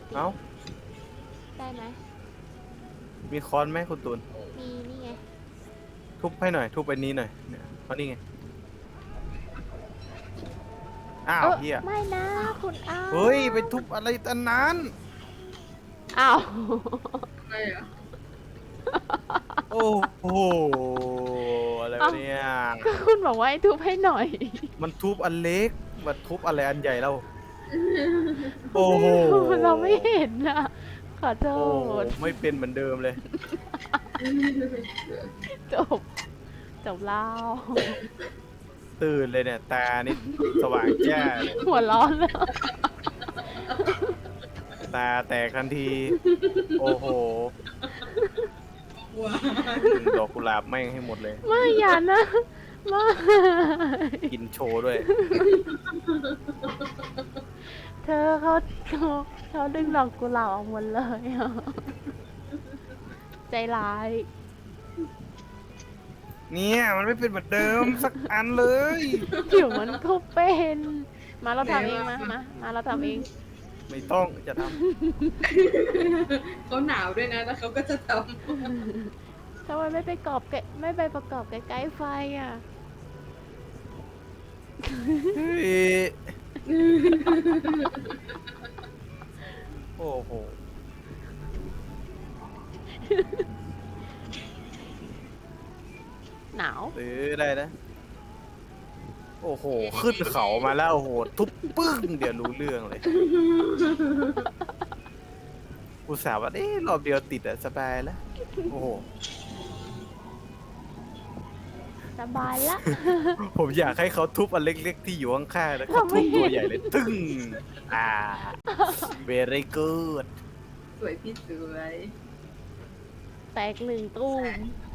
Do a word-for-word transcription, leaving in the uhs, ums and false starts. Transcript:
ติเอ้าได้ไหมมีค้อนไหมคุณตูนมีนี่ไงทุบให้หน่อยทุบไปนี้หน่อยเนี่ยเพราะนี่ไงอ้าวเออเฮียไม่นะคุณอ้าวเฮ้ยไปทุบอะไรตอนนั้นอ้าวอะไรเหรอโอ้โหอะไรวะเนี่ยก็คุณบอกว่าให้ทุบให้หน่อยมันทุบอันเล็กมาทุบอะไรอันใหญ่แล้วโอ้โหเราไม่เห็นนะขอโทโอ้โหษไม่เป็นเหมือนเดิมเลยจบจบเล่าตื่นเลยเนี่ยตานี่สว่างแจ้าเลยหัวร้อนแล้วตาแตกทันที โอ้โหว้าดอกกุหลาบแม่งให้หมดเลยไม่อย่านะไม่กินโชว์ด้วยเธอเขาเขาเขาดึงดอกกุหลาบออกหมดเลยอะใจร้ายเนี่ยมันไม่เป็นเหมือนเดิมสักอันเลยเดี๋ยวมันก็เป็น มาเราทำเองมามามาเราทำเองไม่ต้องจะทเขาหนาวด้วยนะแล้วเขาก็จะททำไมไม่ไปกรอบใกล้ไม่ไปประกอบใกล้ๆไฟอ่ะำเฮ้ยโอ้โหหนาวซื้อได้นะ โอ้โห ขึ้นเขามาแล้วโอ้โห ทุบปึ้งเดี๋ยวรู้เรื่องเลย อุตส่าห์ว่าเอ๊ะรอบเดียวติดอะสบายแล้ว โอ้โหสบายละผมอยากให้เขาทุบอันเล็กๆที่อยู่ข้างๆแล้วเขาทำไมทุบตัวใหญ่เลย ตึ้ง อ่า very good ำสวยพี่สวยแตกหนึ่งตู้ม